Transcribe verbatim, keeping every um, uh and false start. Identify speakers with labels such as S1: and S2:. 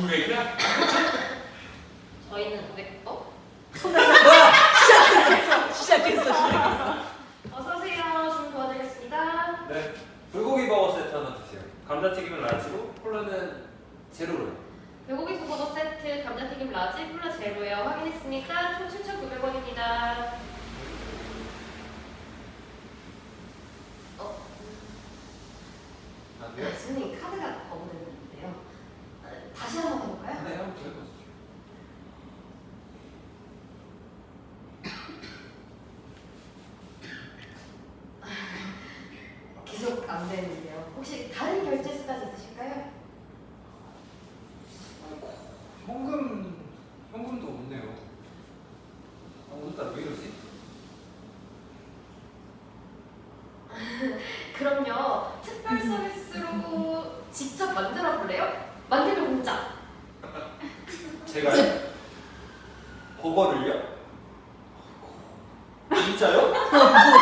S1: 구백이야?
S2: 저희는 네, 어?
S3: 뭐야? 시작했어. 시작했어. 시작했어.
S2: 어서 오세요. 좀 도와드리겠습니다.
S1: 네. 불고기 버거 세트 하나 주세요. 감자튀김은 라지고 콜라는 제로로.
S2: 불고기 소버거 세트, 감자튀김 라지, 콜라 제로요. 확인했으니까 총 칠천구백 원입니다. 어?
S1: 안
S2: 네, 손님 카드가 거부됐는데요. 아, 다시 한번 해볼까요?
S1: 네, 한번 더 해보세요.
S2: 계속 안 되는데요. 혹시 다른 결제 수단이 있으실까요?
S1: 현금, 현금도 없네요. 아, 오늘따라 왜 이러지?
S2: 그럼요. 특별 서비스로 직접 만들어 볼래요? 만들면 공짜.
S1: 제가요? 버거를요? 진짜요?
S3: 뭐야?